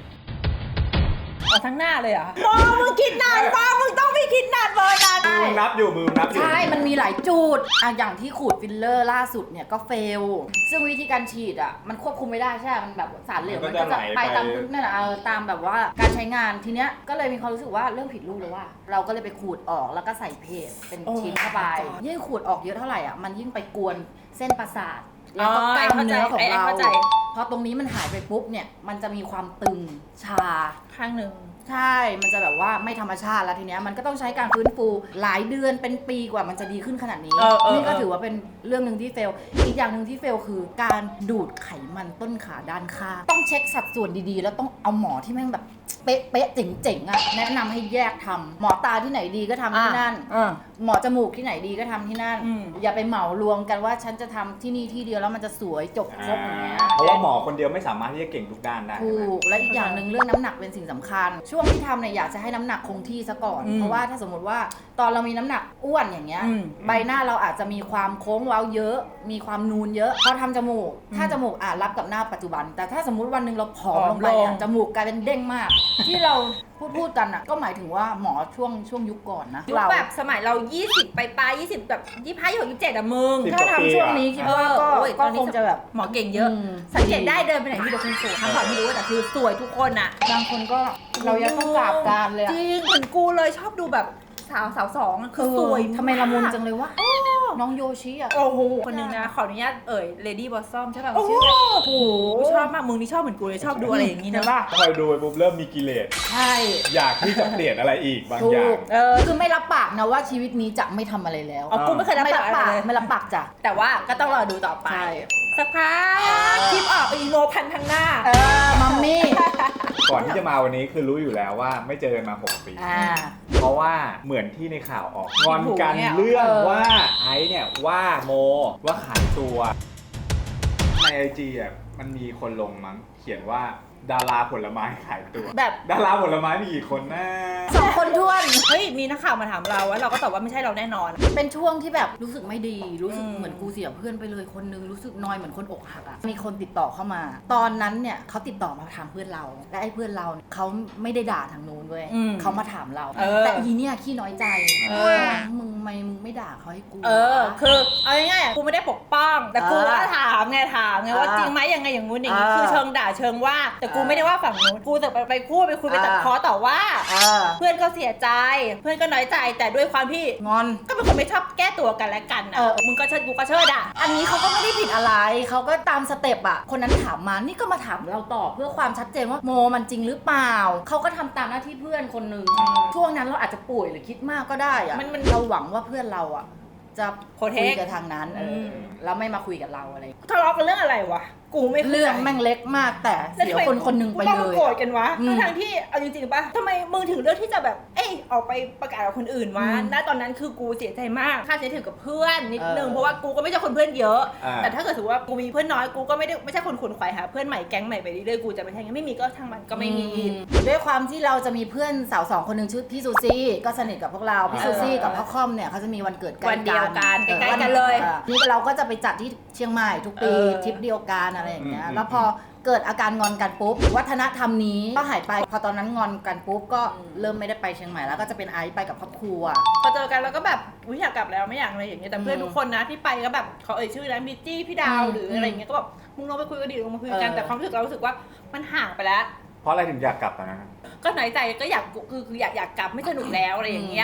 [SPEAKER 3] เอาทั้งหน้าเลยเหรอมองมึงคิดนานมากมึงต้องไม่คิดนานเบอร์นั้น
[SPEAKER 1] มือนับอยู่มือนับอยู่
[SPEAKER 2] ใช่ มันมีหลายจุดอ่ะอย่างที่ขูดฟิลเลอร์ล่าสุดเนี่ยก็เฟล ซึ่งวิธีการฉีดอ่ะมันควบคุมไม่ได้ใช่ไหมมันแบบสารเหลวมันก็จะไปตามนั่นแหละเออตามแบบว่าการใช้งานทีเนี้ยก็เลยมีความรู้สึกว่าเรื่องผิดรูปเลยว่า เราก็เลยไปขูดออกแล้วก็ใส่เพจเป็นชิ้นเข้าไปยิ่งขูดออกเยอะเท่าไหร่อ่ะมันยิ่งไปกวนเส้นประสาทแล้วก็กล้ามเนื้อของเราพอตรงนี้มันหายไปปุ๊บเนี่ยมันจะมีความตึงชา
[SPEAKER 3] ข้างหนึ่ง
[SPEAKER 2] ใช่ มันจะแบบว่าไม่ธรรมชาติแล้วทีเนี้ยมันก็ต้องใช้การฟื้นฟูหลายเดือนเป็นปีกว่ามันจะดีขึ้นขนาดนี้
[SPEAKER 3] เออเออ
[SPEAKER 2] นี่ก็ถือว่าเป็นเรื่องหนึ่งที่เฟล อีกอย่างหนึ่งที่เฟลคือการดูดไขมันต้นขาด้านข้างต้องเช็คสัดส่วนดีๆ แล้วต้องเอาหมอที่แม่งแบบเป๊ะเป๊ะๆเจ๋งๆอ่ะแนะนำให้แยกทำหมอตาที่ไหนดีก็ทำที่นั่น
[SPEAKER 3] อ่า
[SPEAKER 2] หมอจมูกที่ไหนดีก็ทำที่นั่น
[SPEAKER 3] อืม
[SPEAKER 2] อย่าไปเหมารวมกันว่าฉันจะทำที่นี่ที่เดียวแล้วมันจะสวยจบครบอย่างเงี้ย
[SPEAKER 1] เพราะว่าหมอคนเดียวไม่สามารถที่จะเก่งทุกด้านได้
[SPEAKER 2] ถู
[SPEAKER 1] ใช่ไหม
[SPEAKER 2] กและอีกอย่างหนึ่งเรื่องน้ำหนักเป็นสิ่งสำคัญ ช่วงที่ทำเนี่ยอยากจะให้น้ำหนักคงที่ซะก่อน
[SPEAKER 3] อืม
[SPEAKER 2] เพราะว่าถ้าสมมติว่าตอนเรามีน้ำหนักอ้วนอย่างเงี้ย
[SPEAKER 3] อืม
[SPEAKER 2] ใบหน้าเราอาจจะมีความโค้งเว้าเยอะ มีความนูนเยอะพอทำจมูก ถ้าจมูกอาจรับกับหน้าปัจจุบัน แต่ถ้าสมมุติวันหนึ่งเราผอมลงไปเนี่ยจมูกกลายเป็นเด้งมาก ที่เราพูดพูดกันอ่ะก็หมายถึงว่าหมอช่วงช่วงยุคก่อนนะ
[SPEAKER 3] ยุค
[SPEAKER 2] เรา
[SPEAKER 3] แบบสมัยเรา ยี่สิบไปปลายยี่สิบแบบยี่สิบห้า ยี่สิบหก ยี่สิบเจ็ดอะมึง
[SPEAKER 1] สิบ
[SPEAKER 2] ถ้าทำช่วงนี้คิดว่าก็
[SPEAKER 3] เออโอ้ย
[SPEAKER 2] ก็
[SPEAKER 3] ตอนนี้
[SPEAKER 2] คงจะแบบ
[SPEAKER 3] หมอเก่งเยอะ
[SPEAKER 2] ม
[SPEAKER 3] สังเกตได้เดินไปไหนมีแต่คนสวยทำข่าวไม่รู้แต่คือสวยทุกคนอะ
[SPEAKER 2] บางคนก็เรายังต้องกราบการเลยอะ
[SPEAKER 3] จริงเหมือนกูเลยชอบดูแบบสาวสาวสองอะคือสวย
[SPEAKER 2] ทำไมละมุนจังเลยวะน้องโยชิอ่ะ
[SPEAKER 3] โอ้โหคนหนึงนะขออนุญาตเอ่ย Lady Blossom ใช่ป่ะ
[SPEAKER 2] โอ้โห
[SPEAKER 3] ชื่ออะไรโอ้โหชอบมากมึงนี่ชอบเหมือนกูเลยชอบดูอะไรอย่างนี้
[SPEAKER 2] เห็
[SPEAKER 3] นะ
[SPEAKER 2] นป่ะ
[SPEAKER 1] คอยดูไปปุ๊บเริ่มมีกิเลส
[SPEAKER 2] ใช่
[SPEAKER 1] อยากที่จะเปลี่ยนอะไรอีกบาง
[SPEAKER 2] ถู
[SPEAKER 1] อย่าง
[SPEAKER 2] กเออคือไม่รับปากนะว่าชีวิตนี้จะไม่ทำอะไรแล้ว
[SPEAKER 3] อ๋อกูไม่เคยรับ
[SPEAKER 2] ไม่
[SPEAKER 3] ปา
[SPEAKER 2] รั
[SPEAKER 3] ก
[SPEAKER 2] บ
[SPEAKER 3] อะไร
[SPEAKER 2] ปาก
[SPEAKER 3] เลย
[SPEAKER 2] ไม่รับปากจ้ะ
[SPEAKER 3] แต่ว่าก็ต้องรอดูต่อไป
[SPEAKER 2] ใช่
[SPEAKER 3] สักพักคลิปออกอีโมพันทางหน้า
[SPEAKER 2] เออมัมมี่
[SPEAKER 1] ก่อนที่จะมาวันนี้คือรู้อยู่แล้วว่าไม่เจอกันมาหกปี
[SPEAKER 2] อ่า
[SPEAKER 1] เพราะว่าเหมือนที่ในข่าวออกงอนกัน
[SPEAKER 3] เนี่ย
[SPEAKER 1] เรื่อง
[SPEAKER 2] เออ
[SPEAKER 1] ว่าไอซ์เนี่ยว่าโมว่าขายตัว ในไอจีอ่ะมันมีคนลงมั้งเขียนว่าดาราผลไม้ขายตัว
[SPEAKER 2] แบบ
[SPEAKER 1] ดาราผลไม้มีกี่คนนะ
[SPEAKER 2] สองคนท้วน
[SPEAKER 3] เฮ้ยมีนักข่าวมาถามเราว่าเราก็ตอบว่าไม่ใช่เราแน่นอน
[SPEAKER 2] เป็นช่วงที่แบบรู้สึกไม่ดี รู้สึก
[SPEAKER 3] อืม
[SPEAKER 2] เหมือนกูเสียเพื่อนไปเลยคนนึงรู้สึกนอยเหมือนคนอกหักอ่ะมีคนติดต่อเข้ามา ตอนนั้นเนี่ยเขาติดต่อมาถามเพื่อนเรา และไอ้เพื่อนเราเนี่ยเขาไม่ได้ด่าทางนู้นเว้ย
[SPEAKER 3] อืม
[SPEAKER 2] เขามาถามเรา
[SPEAKER 3] เออ
[SPEAKER 2] แต่อีเนี่ยขี้น้อยใจ
[SPEAKER 3] เออ
[SPEAKER 2] มึงไม่มึงไม่ด่าเขาให้กู
[SPEAKER 3] เออ
[SPEAKER 2] วะ
[SPEAKER 3] คือเอาง่ายๆอ่ะกูไม่ได้ปกป้อง แต่กู
[SPEAKER 2] เออ
[SPEAKER 3] ก็ถามไงถามไงว่า
[SPEAKER 2] เออ
[SPEAKER 3] จริงไหมยังไงอย่างงู้นอย่างนี้
[SPEAKER 2] เออ
[SPEAKER 3] คือเชิงด่าเชิงว่า แต่กู
[SPEAKER 2] เออ
[SPEAKER 3] ไม่ได้ว่าฝั่งนู้นกูแต่ไปไปพูดไปคุยไป
[SPEAKER 2] เออ
[SPEAKER 3] ตัดพ้อต่อว่า
[SPEAKER 2] เออ
[SPEAKER 3] เพื่อนก็เสียใจ เพื่อนก็น้อยใจแต่ด้วยความที่
[SPEAKER 2] งอน
[SPEAKER 3] ก็เป็นคนไม่ชอบแก้ตัวกันและกันนะ
[SPEAKER 2] เออ
[SPEAKER 3] มึงก็เชิดกูก็เชิดอ่ะ
[SPEAKER 2] อันนี้เขาก็ไม่ได้ผิดอะไร เขาก็ตามสเต็ปอะคนนั้นถามมา นี่ก็มาถามเราต่อเพื่อความชัดเจนว่าโมมันจริงหรือเปล่า เขาก็ทำตามหน้าที่เพื่อนคนหนึ่ง ช่วงนั้นเราอาจจะป่วยหรือคิดมากก็ได้อะ
[SPEAKER 3] มันมัน
[SPEAKER 2] เราหวังว่าเพื่อนเราอะจะ
[SPEAKER 3] โปรเทค
[SPEAKER 2] คุยกับทางนั้นเอออ
[SPEAKER 3] ม
[SPEAKER 2] แล้วไม่มาคุยกับเราอะไร
[SPEAKER 3] ทะเลาะกันเรื่องอะไรวะ กูไม่ข้าใจ
[SPEAKER 2] เรื่องแม่งเล็กมากแต่เสียคนคนหนึ่งไป
[SPEAKER 3] ต้อง
[SPEAKER 2] เล
[SPEAKER 3] มาย โกรธ
[SPEAKER 2] อะ
[SPEAKER 3] กันวะ
[SPEAKER 2] อืม
[SPEAKER 3] ทั้งๆที่เอาจริงๆป่ะทำไมมึงถึงเลือกที่จะแบบ เอ้ยออกไปประกาศกับคนอื่นวะ
[SPEAKER 2] อืม
[SPEAKER 3] ณตอนนั้นคือกูเสียใจมากค่าใช้ถือกับเพื่อนนิดนึง
[SPEAKER 2] เออ
[SPEAKER 3] เพราะว่ากูก็ไม่ใช่คนเพื่อนเยอะ
[SPEAKER 1] อ่า
[SPEAKER 3] แต่ถ้าเกิดถือว่ากูมีเพื่อนน้อยกูก็ไม่ได้ไม่ใช่คนขวนขวายหาเพื่อนใหม่แก๊งใหม่ไปเรื่อยๆกูจะไม่ใช่งั้นไม่มีก็ช่างมันก็ไม่มี
[SPEAKER 2] อืด้วยความที่เราจะมีเพื่อนสาวสองคนหนึ่งชื่อพี่ซูซี่ก็สนิทกับพวกเราพี่ซูซี่กับพ่อค่อมเนี่ยเขาจะมีวันเกิดใกล้
[SPEAKER 3] วันเดียวกัน
[SPEAKER 2] ออ
[SPEAKER 3] ใกล้ๆกันเลย
[SPEAKER 2] ออนี่เราก็จะไปจัดที่เชียงใหม่ทุกปี
[SPEAKER 3] เออ
[SPEAKER 2] ทริปเดียวกันอะไรอย่างเงี้ย
[SPEAKER 1] อืม
[SPEAKER 2] แล้วพอเกิดอาการงอนกันปุ๊บวัฒนธรรมนี้ก็หายไปพอตอนนั้นงอนกันปุ๊บก็เริ่มไม่ได้ไปเชียงใหม่แล้วก็จะเป็นไอซ์ไปกับครอบครัว
[SPEAKER 3] พอเจอกันแล้วก็แบบอุ๊ยอยากกลับแล้วไม่อยากอะไรอย่างเงี้ยแต่เพื่อน
[SPEAKER 2] อืม
[SPEAKER 3] ทุกคนนะที่ไปก็แบบเขาเอ่ยชื่อนะมิจี้พี่ดาว
[SPEAKER 2] อืม
[SPEAKER 3] หรืออะไรอย่างเงี้ยก็แบบมึงลองไปคุยกันดิลงมาคุยกัน
[SPEAKER 2] เออ
[SPEAKER 3] แต่ความรู้สึกเรารู้สึกว่ามันห่างไปแล้ว
[SPEAKER 1] เพราะอะไรถึงอยากกลับตอนนั้น
[SPEAKER 3] ก็น้อยใจก็อยากคือคืออยากอยากกลับไม่สนุกแล้วอะไรอย่างเงี้ย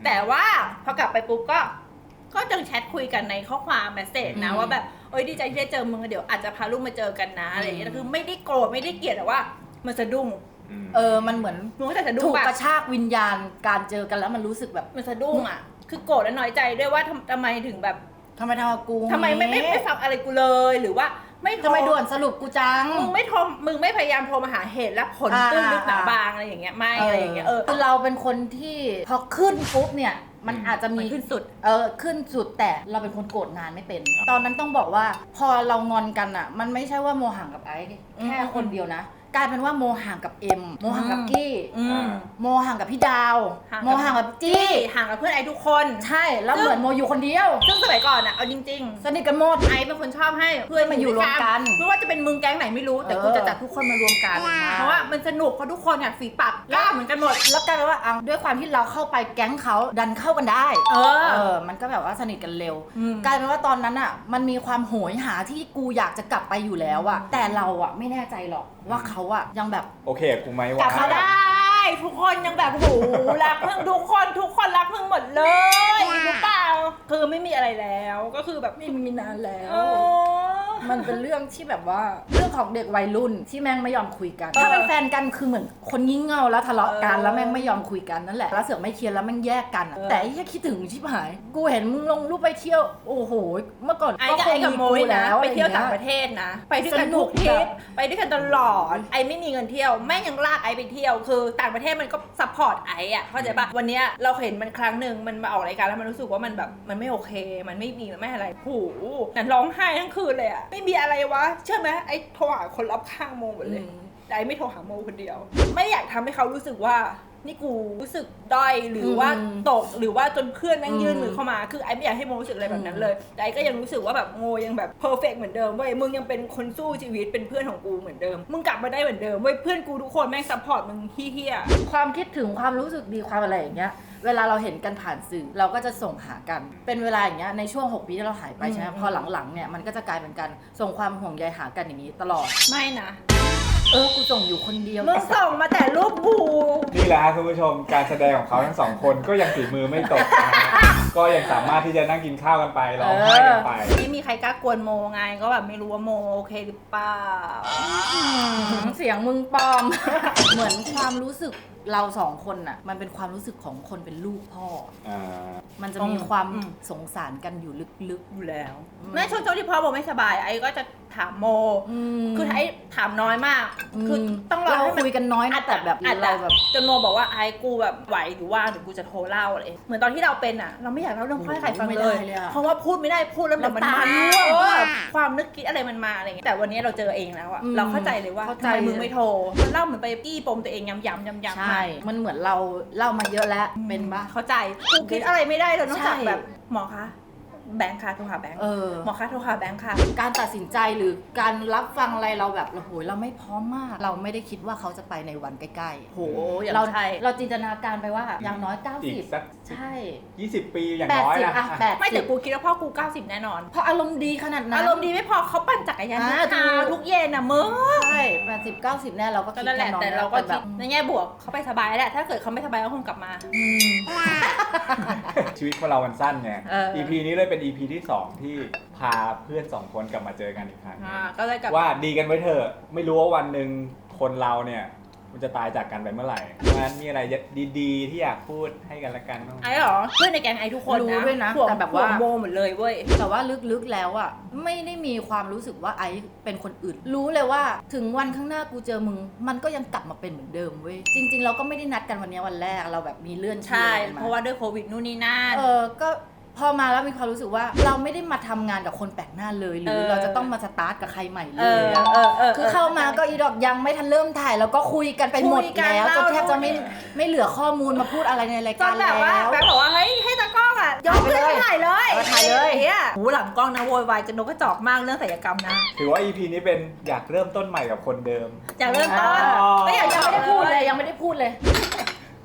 [SPEAKER 3] แต่ว่าพอกลับไปปุ๊บก็ก็ยังแชทคุยกันในข้อความเมสเสจนะว่าแบบเอ้ยดีใจที่ได้เจอมึงเดี๋ยวอาจจะพาลูกมาเจอกันนะอะไรอย่างเงี้ยคือไม่ได้โกรธไม่ได้เกลียดแต่ว่ามันสะดุ้ง
[SPEAKER 2] เออมันเหมือน
[SPEAKER 3] มึงก็จะสะดุ้
[SPEAKER 2] ถู
[SPEAKER 3] ง
[SPEAKER 2] ก
[SPEAKER 3] ปะ
[SPEAKER 2] กระชากวิญญาณการเจอกันแล้วมันรู้สึกแบบ
[SPEAKER 3] มันสะดุ้งอ่ะคือโกรธและน้อยใจด้วยว่าทำทำไมถึงแบบ
[SPEAKER 2] ทำไมทำกับกู
[SPEAKER 3] ทำไมไม่ไม่ไม่ฟังอะไรกูเลยหรือว่าไม่โทร
[SPEAKER 2] ทำไมด่วนสรุปกูจัง
[SPEAKER 3] มึงไม่โทรมึงไม่พยายามโทรมาหาเหตุและผล
[SPEAKER 2] อ่า
[SPEAKER 3] ตื้นลึกหนาบางอะไรอย่างเงี้ยไม่อะไรอย่างเงี้ยเออ
[SPEAKER 2] คือเราเป็นคนที่พอขึ้นปุ๊บเนี่ยมันอาจจะ
[SPEAKER 3] มั
[SPEAKER 2] มี
[SPEAKER 3] นขึ้นสุด
[SPEAKER 2] เออขึ้นสุดแต่เราเป็นคนโกรธงานไม่เป็น ตอนนั้นต้องบอกว่าพอเรางอนกันอ่ะ มันไม่ใช่ว่าโมห่างกับไอซ์แค่คนเดียวนะ กลายเป็นว่าโมห่างกับเอ็มโมห่างกับกี้
[SPEAKER 3] อืม
[SPEAKER 2] โมห่างกับพี่ดาว
[SPEAKER 3] ห่างกับ
[SPEAKER 2] โมห่างกับจี้
[SPEAKER 3] ห่างกับเพื่อนไอ้ทุกคน
[SPEAKER 2] ใช่แล้วเหมือนโมอยู่คนเดียว
[SPEAKER 3] ซึ่งสมัยก่อนอ่ะเอาจริง
[SPEAKER 2] สนิทกันหมด
[SPEAKER 3] ๆไอ้เป็นคนชอบให้เพื่อน
[SPEAKER 2] มาอยู่รวมกัน
[SPEAKER 3] ไม่ว่าจะเป็นมึงแก๊งไหนไม่รู้แต่
[SPEAKER 2] เออ
[SPEAKER 3] กูจะจัดทุกคนมารวมกันเพราะว่ามันสนุกเพราะทุกคนเนี่ยฝีปากกล้าเหมือนกันหมด
[SPEAKER 2] แล้วกลายเป็นว่าเอาด้วยความที่เราเข้าไปแก๊งเขาดันเข้ากันได้
[SPEAKER 3] เออ
[SPEAKER 2] เออ มันก็แบบว่าสนิทกันเร็ว
[SPEAKER 3] อืม
[SPEAKER 2] กลายเป็นว่าตอนนั้นอ่ะ มันมีความโหยหาที่กูอยากจะกลับไปอยู่แล้วอ่ะ แต่เราอ่ะไม่แน่ใจหรอกว่าเขาอ่ะยังแบบ
[SPEAKER 1] โอเคกับกูไหม
[SPEAKER 3] กลั
[SPEAKER 1] วะ
[SPEAKER 3] บมาได้ ทุกคนยังแบบโหรักเพิ่งทุกคนทุกคนรักเพิ่งหมดเลยหรือเปล่าคือไม่มีอะไรแล้วก็คือแบบไม่มีนานแล้ว
[SPEAKER 2] มันเป็นเรื่องที่แบบว่าเรื่องของเด็กวัยรุ่นที่แม่งไม่ยอมคุยกัน ถ้าเป็นแฟนกันคือเหมือนคนงี่เง่าแล้วทะเลาะกัน
[SPEAKER 3] เออ
[SPEAKER 2] แล้วแม่งไม่ยอมคุยกันนั่นแหละแล้วเสือกไม่เคลียร์แล้วแม่งแยกกันอะ
[SPEAKER 3] เออ
[SPEAKER 2] แต่ไอ้แค่คิดถึงชิบหาย กูเห็นมึงลงรูปไปเที่ยวโอ้โหเมื่อก่อน
[SPEAKER 3] ไอ้
[SPEAKER 2] ก็
[SPEAKER 3] กับ
[SPEAKER 2] คง
[SPEAKER 3] ไอ้กับ
[SPEAKER 2] มี
[SPEAKER 3] โม
[SPEAKER 2] กู
[SPEAKER 3] ยนะ
[SPEAKER 2] แล้ว
[SPEAKER 3] ไปเที่ยว
[SPEAKER 2] อะร
[SPEAKER 3] ต่าง
[SPEAKER 2] งี้
[SPEAKER 3] ประเทศนะ ไปด้วยกัน
[SPEAKER 2] สนุ
[SPEAKER 3] ทุ
[SPEAKER 2] ก
[SPEAKER 3] กทริป
[SPEAKER 2] แบบ
[SPEAKER 3] ไปด้วยกันตลอดไอ้ไม่มีเงินเที่ยวแม่งยังลากไอ้ไปเที่ยวคือต่างประเทศมันก็ซัพพอร์ตไอ้อะเข้าใจปะวันเนี้ยเราเห็นมันครั้งหนึ่งมันมาออกรายการแล้วมันรู้สึกว่ามันแบบมันไม่โอเค มันไม่มีมันไม่อะไรโอ้โหแต่ร้องไห้ทั้งคืนเลยอะไม่มีอะไรวะเชื่อไหมไอ้โทรหาคนรอบข้างโมหมดเลย แต่ไอ้ไม่โทรหาโมคนเดียว ไม่อยากทำให้เขารู้สึกว่านี่กูรู้สึกด้อยหรือว่า
[SPEAKER 2] อืม
[SPEAKER 3] ตกหรือว่าจนเพื่อนแม่งยื่น
[SPEAKER 2] อืม
[SPEAKER 3] มือเข้ามาคือไอ้ไม่อยากให้โมรู้สึกอะไรแบบนั้นเลยแต่ไอ้ก็ยังรู้สึกว่าแบบโมยังแบบเพอร์เฟกต์เหมือนเดิมเว้ยมึงยังเป็นคนสู้ชีวิตเป็นเพื่อนของกูเหมือนเดิมมึงกลับมาได้เหมือนเดิมเว้ยเพื่อนกูทุกคนแม่งซัพพอร์ตมึงเฮี้ย
[SPEAKER 2] ความคิดถึงความรู้สึกดีความอะไรอย่างเงี้ย เวลาเราเห็นกันผ่านสื่อเราก็จะส่งหากัน เป็นเวลาอย่างเงี้ยในช่วงหกปีที่เราหายไปใช่ไหม
[SPEAKER 3] อืม
[SPEAKER 2] พอหลังๆเนี่ยมันก็จะกลายเป็นการส่งความห่วงใยหากันอย่างนี้ตลอด
[SPEAKER 3] ๆไม่นะ
[SPEAKER 2] เออกูส่งอยู่คนเดียว
[SPEAKER 3] มึงส่งมาแต่รูปกู
[SPEAKER 1] นี่แหละครับคุณผู้ชมการแสดงของเขาทั้งสองคนก็ยังฝีมือไม่ตกนะฮะก็ยังสามารถที่จะนั่งกินข้าวกันไปร้องไห้กันไป
[SPEAKER 3] ไม่มีใครกล้ากวนโมไงก็แบบไม่รู้ว่าโมโอเคหรือเปล่า
[SPEAKER 2] เสียงมึงปลอม เหมือนความรู้สึกเราสองคนน่ะมันเป็นความรู้สึกของคนเป็นลูกพ่อ
[SPEAKER 1] อ่า
[SPEAKER 2] มันจะมีความ
[SPEAKER 3] อืม
[SPEAKER 2] สงสารกันอยู่ลึก
[SPEAKER 3] อยู่แล้ว
[SPEAKER 2] อืม
[SPEAKER 3] แม่ช่วงช่วงที่พ่อโมไม่สบายไอ้ก็จะถามโม
[SPEAKER 2] ๆอืม
[SPEAKER 3] คือไอ้ถามน้อยมาก คือ
[SPEAKER 2] ม
[SPEAKER 3] ต้องรอ
[SPEAKER 2] เรา
[SPEAKER 3] ให้มัน
[SPEAKER 2] คุยกันน้อยนะแต่แบบ
[SPEAKER 3] อาจจะ
[SPEAKER 2] เราแบบ
[SPEAKER 3] จนโมบอกว่าไอ้กูแบบไหวหรือว่าหรือกูจะโทรเล่าอะไรเหมือนตอนที่เราเป็นอ่ะ เราไม่อยากเล่าเรื่องพ่อให้ใครฟัง
[SPEAKER 2] ไม่
[SPEAKER 3] เล
[SPEAKER 2] ได้
[SPEAKER 3] ย
[SPEAKER 2] เลยอะ
[SPEAKER 3] เพราะว่าพูดไม่ได้พูดแล้วเดี๋ยวมัน
[SPEAKER 2] น้ำตา
[SPEAKER 3] มา
[SPEAKER 2] ร่วง
[SPEAKER 3] เออความนึกคิดอะไรมันมาอะไรเงี้ยแต่วันนี้เราเจอเองแล้วอ่ะ
[SPEAKER 2] อืม
[SPEAKER 3] เราเข้าใจเลยว่า
[SPEAKER 2] เข้าใจ
[SPEAKER 3] ทำไมมึงไม่โทรมันเล่าเหมือนไปปี้ปมตัวเองย้ำๆย้ำๆ
[SPEAKER 2] ใช่ มันเหมือนเราเล่ามาเยอะแล้วเป็นปะ
[SPEAKER 3] เข้าใจกูคิดอะไรไม่ได้เลยนอกจาก
[SPEAKER 2] ใช่
[SPEAKER 3] แบบหมอคะแบงค์ค่ะโทรหาแบงค์
[SPEAKER 2] เออ
[SPEAKER 3] หมอคะโทรหาแบงค์ค่ะ
[SPEAKER 2] การตัดสินใจหรือการรับฟังอะไรเราแบบโอ้โหเราไม่พร้อมมาก เราไม่ได้คิดว่าเขาจะไปในวันใกล้ๆ
[SPEAKER 3] โหอย่าง
[SPEAKER 2] เรา
[SPEAKER 3] ใช่
[SPEAKER 2] เราจินตนาการไปว่าอย่างน้อย
[SPEAKER 1] อีก
[SPEAKER 2] เก้าสิบ
[SPEAKER 1] สัก
[SPEAKER 2] ใช่
[SPEAKER 1] ยี่สิบปีอย่าง
[SPEAKER 2] แปด
[SPEAKER 1] น้อย
[SPEAKER 2] สิบ
[SPEAKER 1] นะ
[SPEAKER 2] อะแปด
[SPEAKER 3] ไม่
[SPEAKER 2] สิ
[SPEAKER 3] แต่
[SPEAKER 2] บ
[SPEAKER 3] กูคิดว่าพ่อกูเก้าสิบแน่นอน
[SPEAKER 2] เพราะอารมณ์ดีขนาดนั้น
[SPEAKER 3] อารมณ์ดีไม่พอเขาปั่นจักรยานทุก
[SPEAKER 2] อ่า
[SPEAKER 3] เช้า
[SPEAKER 2] ถูก
[SPEAKER 3] ทุกเย็นน่ะมึง
[SPEAKER 2] ใช่แปดสิบเก้าสิบแน่เราก็
[SPEAKER 3] ก็
[SPEAKER 2] คิด
[SPEAKER 3] นั่นแหละ
[SPEAKER 2] น้อย
[SPEAKER 3] แต่เราก็
[SPEAKER 2] แบ
[SPEAKER 3] คิด
[SPEAKER 2] บ
[SPEAKER 3] ในแง่บวกเขาไปสบายแหละถ้าเกิดเขาไม่สบายก็คงกลับมา
[SPEAKER 2] อืม
[SPEAKER 1] ชีวิตของเรามันสั้นไง
[SPEAKER 3] เออ
[SPEAKER 1] อี พี นี้เลยเป็น อี พี ที่สองที่พาเพื่อนสองคนกลับมาเจอกันอีกครั้ง
[SPEAKER 3] อ่าก็เลยกลับ
[SPEAKER 1] ว่าดีกันไว้เถอะไม่รู้ว่าวันหนึ่งคนเราเนี่ยมันจะตายจากกันไปเมื่อไหร่เพราะฉะนั้นมีอะไรดีๆ ที่อยากพูดให้กันละกันบ้างไหม
[SPEAKER 3] ไอ้เหรอเพื่อนในแก๊งไอ้ทุกคน
[SPEAKER 2] รู้
[SPEAKER 3] นะ
[SPEAKER 2] ด้วยนะ
[SPEAKER 3] ห่วง
[SPEAKER 2] แต่แบบว่า
[SPEAKER 3] ห่งโมหมดเลยเว้ย
[SPEAKER 2] แต่ว่าลึกๆแล้วอ่ะไม่ได้มีความรู้สึกว่าไอซ์เป็นคนอื่น รู้เลยว่าถึงวันข้างหน้ากูเจอมึง มันก็ยังกลับมาเป็นเหมือนเดิมเว้ยจริง ๆ เราก็ไม่ได้นัดกันวันนี้วันแรกเราแบบมีเลื่อน
[SPEAKER 3] ใช่
[SPEAKER 2] ชื่อกันม
[SPEAKER 3] เพราะว่าด้วยโควิดนู่นนี่นั่น
[SPEAKER 2] เออก็พอมาแล้วมีความรู้สึกว่าเราไม่ได้มาทำงานกับคนแปลกหน้าเลย หรือ
[SPEAKER 3] เออ
[SPEAKER 2] เราจะต้องมาสตาร์ทกับใครใหม่เล
[SPEAKER 3] เอย อ
[SPEAKER 2] อะ
[SPEAKER 3] เออเออ
[SPEAKER 2] คือเข้ามาก็อีดอกยังไม่ทันเริ่มถ่ายแล้วก็คุยกันไปหมด
[SPEAKER 3] คุยกัน
[SPEAKER 2] แล้วจนแทบจะไม่
[SPEAKER 3] เล่า
[SPEAKER 2] ไม่เหลือข้อมูลมาพูดอะไรในราย
[SPEAKER 3] จ
[SPEAKER 2] กาน ร
[SPEAKER 3] แบ
[SPEAKER 2] แล้
[SPEAKER 3] บว่าแบ
[SPEAKER 2] ว
[SPEAKER 3] งค์บอกว่าเฮ้ยให้ตากล้องอ่ะยกขึ้นมาถ่ายเลย
[SPEAKER 2] เออถ่ายเลย
[SPEAKER 3] ไอ้อะหูหลังกล้องนะโวยวายจะนกกระจอกมากเรื่องศัลยกรรมนะ
[SPEAKER 1] ถือว่า อี พี นี้เป็นอยากเริ่มต้นใหม่กับคนเดิม
[SPEAKER 3] อยากเริ่มต้น
[SPEAKER 1] อ๋อ
[SPEAKER 3] ก็อยาก
[SPEAKER 2] ยังไม่ได้พูดเลยยังไม่ได้พูดเลย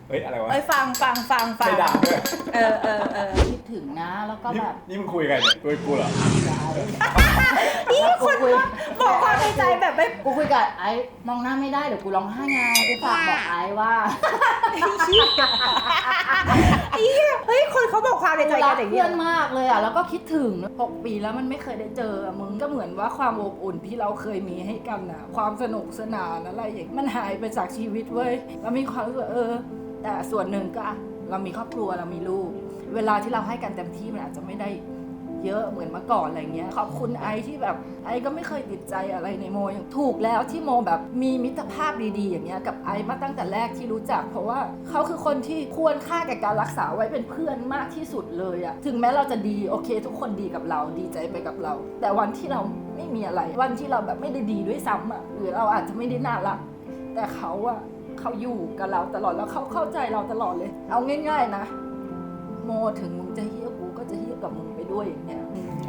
[SPEAKER 1] เฮ้ยอะไรวะ
[SPEAKER 3] เอ้ยฟังฟังฟังฟัง
[SPEAKER 1] ไม่ดังด้วย
[SPEAKER 3] เออเออเออ
[SPEAKER 2] คิดถึงนะแล้วก็
[SPEAKER 1] นี่
[SPEAKER 2] แบบ
[SPEAKER 1] นี่มึงคุยกันเนี่ยคุยกูเหรอ
[SPEAKER 2] นี่คน
[SPEAKER 3] บอกความในใจแบบไม่
[SPEAKER 2] กูคุยกับไอ้มองหน้าไม่ได้เดี๋ยวกูร้องไห้ไงกูฝากบอกไอ้ว่า
[SPEAKER 3] เฮ้ยคนเขาบอกความในใจ
[SPEAKER 2] รั
[SPEAKER 3] กั
[SPEAKER 2] ก
[SPEAKER 3] นอย่าง
[SPEAKER 2] เพื่
[SPEAKER 3] เงี้
[SPEAKER 2] อย นมากเลยอ่ะแล้วก็คิดถึงหกปีแล้วมันไม่เคยได้เจออะมึงก็เหมือนว่าความอบอุ่นที่เราเคยมีให้กันนะความสนุกสนานอะไรอย่างมันหายไปจากชีวิตเว้ยเรามีความรู้สึกว่าเออ แต่ส่วนหนึ่งก็อ่ะเรามีครอบครัวเรามีลูก เวลาที่เราให้กันเต็มที่มันอาจจะไม่ได้เยอะเหมือนเมื่อก่อนอะไรเงี้ยขอบคุณไอที่แบบไอก็ไม่เคยติดใจอะไรในโมอย่างถูกแล้วที่โมแบบมีมิตรภาพดีๆอย่างเงี้ยกับไอมาตั้งแต่แรกที่รู้จักเพราะว่าเขาคือคนที่ควรค่าแก่การรักษาไว้เป็นเพื่อนมากที่สุดเลยอะถึงแม้เราจะดีโอเค ทุกคนดีกับเราดีใจไปกับเรา แต่วันที่เราไม่มีอะไรวันที่เราแบบไม่ได้ดีด้วยซ้ำอะหรือเราอาจจะไม่ได้น่ารักแต่เขาอะเขาอยู่กับเราตลอดแล้วเขาเข้าใจเราตลอดเลยเอาง่ายๆนะโมถึงมึงจะเฮี้ยกูก็จะเฮี้ยกับมึงไปด้วยอย่างเงี้ย
[SPEAKER 3] โอ้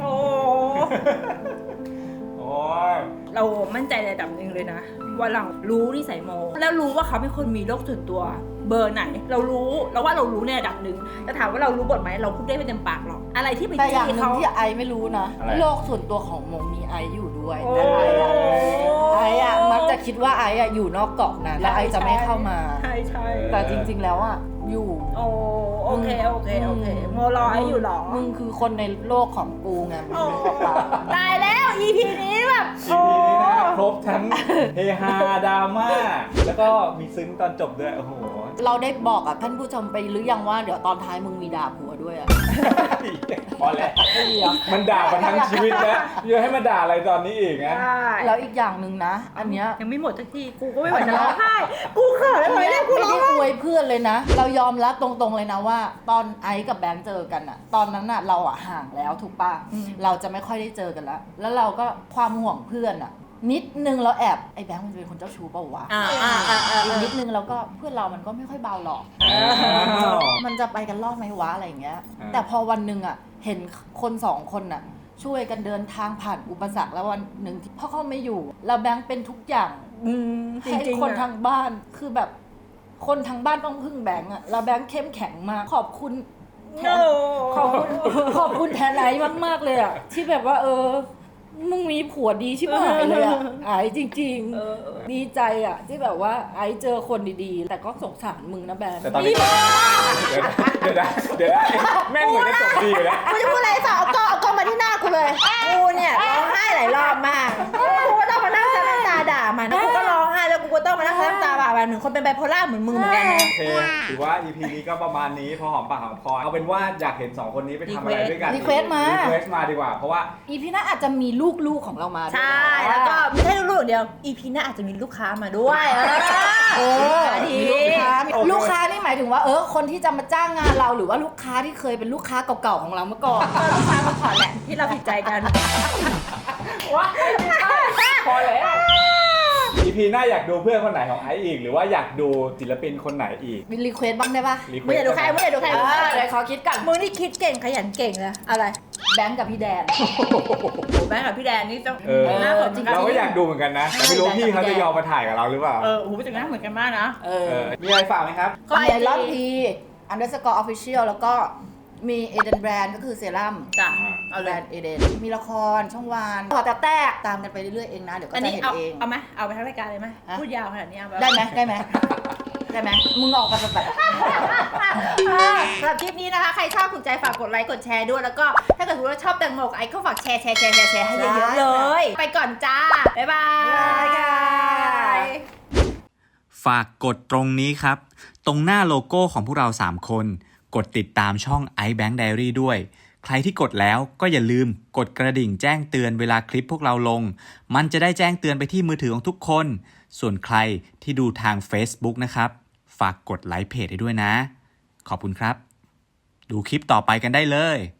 [SPEAKER 1] โอ้ย
[SPEAKER 3] เรามั่นใจในระดับหนึ่งเลยนะว่าเรารู้นิสัยโม แล้วรู้ว่าเขาเป็นคนมีโรคส่วนตัวเบอร์ไหน เรารู้เราว่าเรารู้ในระดับหนึ่งแต่ถามว่าเรารู้บทไหมเราพูดได้ไม่เต็มปากหรอกอะไรที่ไป
[SPEAKER 2] แต่อย่าง
[SPEAKER 3] จี้
[SPEAKER 2] หนึ่
[SPEAKER 3] เขา
[SPEAKER 2] งที่ไอไม่รู้นะ
[SPEAKER 1] อะไร
[SPEAKER 2] โลกส่วนตัวของโมมีไออยู่ด้วย
[SPEAKER 3] โอ้
[SPEAKER 2] แต่ไออะไออะมักจะคิดว่าไออะอยู่นอกเกาะนะแล้วไอจะไม่เข้ามา
[SPEAKER 3] ใช่ใช่
[SPEAKER 2] แต่จริงๆแล้วอะอยู่
[SPEAKER 3] โอ้โอเคโอเคโอเคโมรอให้อยู่หรอ
[SPEAKER 2] มึงคือคนในโลกของกูไงมึง
[SPEAKER 3] โอ้
[SPEAKER 2] นึกออกปะ
[SPEAKER 3] ตายแล้ว อี พี นี้แบบ
[SPEAKER 1] อีพีนี้นะครบทั้งเฮฮาดราม่าแล้วก็มีซึ้งตอนจบด้วยโอ้โห
[SPEAKER 2] เราได้บอกกับท่านผู้ชมไปหรือยังว่าเดี๋ยวตอนท้ายมึงมีด่าผัวด้วยอะ
[SPEAKER 1] พอแล้ว
[SPEAKER 2] ไม่มีเหรอ
[SPEAKER 1] มันด่ามาทั้งชีวิตแล้วยังให้มาด่าอะไรตอนนี้อีกนะ
[SPEAKER 3] ใช่
[SPEAKER 2] แล้วอีกอย่างหนึ่งนะ อันเนี้ย
[SPEAKER 3] ยังไม่หมดสักทีกูก็ไม่ไหวจะร้องไห้กูเขินเลยเนี่ยกู
[SPEAKER 2] ไม่
[SPEAKER 3] ร้อง
[SPEAKER 2] ได้
[SPEAKER 3] ไห้
[SPEAKER 2] อวยเพื่อนเลยนะ เรายอมรับตรงๆเลยนะว่า ตอนไอซ์กับแบงค์เจอกันอะตอนนั้นอะเราอะห่างแล้วถูกปะเราจะไม่ค่อยได้เจอกันแล้วแล้วเราก็ความห่วงเพื่อนอะนิดนึงเราแอบไอ้แบงค์มันจะเป็นคนเจ้าชู้เปล่าวะ
[SPEAKER 3] อ่าอ่าอ่าอ่า
[SPEAKER 2] อีกนิดนึงเราก็เพื่อนเรามันก็ไม่ค่อยเบาหรอก
[SPEAKER 1] อ้าว
[SPEAKER 2] มันจะไปกันรอดไหมวะอะไรอย่างเงี้ย
[SPEAKER 1] อ่า
[SPEAKER 2] แต่พอวันหนึ่งอะเห็นคนสองคนอะช่วยกันเดินทางผ่านอุปสรรคแล้ววันหนึ่งที่พ่อเขาไม่อยู่เราแบงค์เป็นทุกอย่าง
[SPEAKER 3] อืมจ
[SPEAKER 2] ให้
[SPEAKER 3] ริงๆ
[SPEAKER 2] คน
[SPEAKER 3] อะ
[SPEAKER 2] ทางบ้านคือแบบคนทางบ้านต้องพึ่งแบงค์อะแล้วแบงค์เข้มแข็งมากขอบคุณแทนขอบคุณขอบคุณแทนไอ้มากๆเลยอะที่แบบว่า เออมึงมีผัวดีชิบหายเลยอะไอ้จริง
[SPEAKER 3] เออเออ
[SPEAKER 2] ๆ ดีใจอะที่แบบว่าไอ้เจอคนดีๆ แต่ก็สงสารมึงนะแบงค์
[SPEAKER 1] แต่ตอนนี้เดี๋ยวนะเดี๋ยวนะเดี๋ยวนะแม่งเหมือนจะจบดีอยู่แล้ว
[SPEAKER 3] กูจะพูดอะไรสาวเอากล้องเอากล้องมาที่หน้ากูเลยกูเนี่ยร้องไห้หลายรอบมากกูก็ต้องมานั่งซับน้ำตาด่ามันแล้วกูก็ร้องไห้แล้วกูก็ต้องมานั่งซับน้ำตาด่ามันเหมือนคนเป็นไบโพล่าเหมือนมึงเหมือนกันนะ
[SPEAKER 1] โอเคถือว่า อี พี นี้ก็ประมาณนี้พอหอมปากหอมคอเอาเป็นว่าอยากเห็นสองคนนี้ไปทำอะไรด้วยกัน
[SPEAKER 2] รีเควสต์มา
[SPEAKER 1] รีเควสต์มาดีกว่าเพราะว่า
[SPEAKER 2] อีพีหน้าอาจจะมีลูกๆของเรามาด้วย
[SPEAKER 3] ใช่แล้วก็ไม่ใช่ลูกๆเดียว อี พี หน้าอาจจะมีลูกค้ามาด้วยเออ
[SPEAKER 2] เออ
[SPEAKER 3] ดี
[SPEAKER 2] มีลูกค้า
[SPEAKER 1] โอเค
[SPEAKER 2] ลูกค้านี่หมายถึงว่าเออคนที่จะมาจ้างงานเราหรือว่าลูกค้าที่เคยเป็นลูกค้าเก่าๆของเราเมื่อก่อน
[SPEAKER 3] ลูกค้ามาขอแหละที่เราผิดใจกัน
[SPEAKER 1] ว้าพอแล้ว อี พี หน้าอยากดูเพื่อนคนไหนของไอซ์อีก หรือว่าอยากดูศิลปินคนไหนอีก
[SPEAKER 2] มีรีเควสบ้างได้ปะ
[SPEAKER 1] รีเคว
[SPEAKER 3] ไม่
[SPEAKER 1] ส
[SPEAKER 3] อยากดูใครไม่อยากดูใคร
[SPEAKER 2] เออเดี๋ยวขอคิดก่อน
[SPEAKER 3] มึงนี่คิดเก่งขยันเก่งเลยอะไร
[SPEAKER 2] แบงค์กับพี่แดน
[SPEAKER 3] โอ้แม่กับพี่แดนนี่ต้อง
[SPEAKER 1] เออ
[SPEAKER 3] น่าสนใจ
[SPEAKER 1] เราก็อยากดูเหมือนกันนะ แต่ไม่รู้พี่เขาจะยอมมาถ่ายกับเราหรือเปล่า
[SPEAKER 3] เออโอ้โหเป็นหน้าเหมือนกันมากนะ
[SPEAKER 2] เอ
[SPEAKER 1] เอ
[SPEAKER 2] อ
[SPEAKER 1] อมีอะไรฝากไหมครับ
[SPEAKER 3] ก็
[SPEAKER 2] มี
[SPEAKER 3] ไอ
[SPEAKER 2] ไอรอน
[SPEAKER 3] จี
[SPEAKER 2] ทีอันเดอร์สกอร์ออฟฟิเชียลแล้วก็มีเอเดนแบรนด์ก็คือเซรั่ม
[SPEAKER 3] จ้ะเอา
[SPEAKER 2] แบ
[SPEAKER 3] เล
[SPEAKER 2] ร
[SPEAKER 3] ย
[SPEAKER 2] นด์เอเดนมีละครช่องวานขอแต่แตกตามกันไปเรื่อยๆเองนะ เดี๋ยวก็
[SPEAKER 3] อัน
[SPEAKER 2] จะ
[SPEAKER 3] นี้
[SPEAKER 2] เห็น
[SPEAKER 3] เอา
[SPEAKER 2] เอง
[SPEAKER 3] เอาไหมเอาไปทั้งรายการเลยไหม
[SPEAKER 2] ฮะ
[SPEAKER 3] พูดยาวขนาดนี้เอาป
[SPEAKER 2] ได้ไหมได้ไหมได้ไหมมึงออกมาแบบ
[SPEAKER 3] สำหรับคลิปนี้นะคะ ใครชอบถูกใจฝากกดไลค์กดแชร์ด้วย แล้วก็ถ้าเกิดว่าชอบแตงโมกับไอซ์ก็ฝากแชร์แชร์แชร์แชร์แชร์ให้เยอะๆเลย ไปก่อนจ้า บ๊ายบาย
[SPEAKER 4] ฝากกดตรงนี้ครับ ตรงหน้าโลโก้ของพวกเราสามคน กดติดตามช่อง iBank Diary ด้วย ใครที่กดแล้วก็อย่าลืมกดกระดิ่งแจ้งเตือนเวลาคลิปพวกเราลง มันจะได้แจ้งเตือนไปที่มือถือของทุกคน ส่วนใครที่ดูทาง Facebook นะครับ ฝากกดไลค์เพจให้ด้วยนะ ขอบคุณครับ ดูคลิปต่อไปกันได้เลย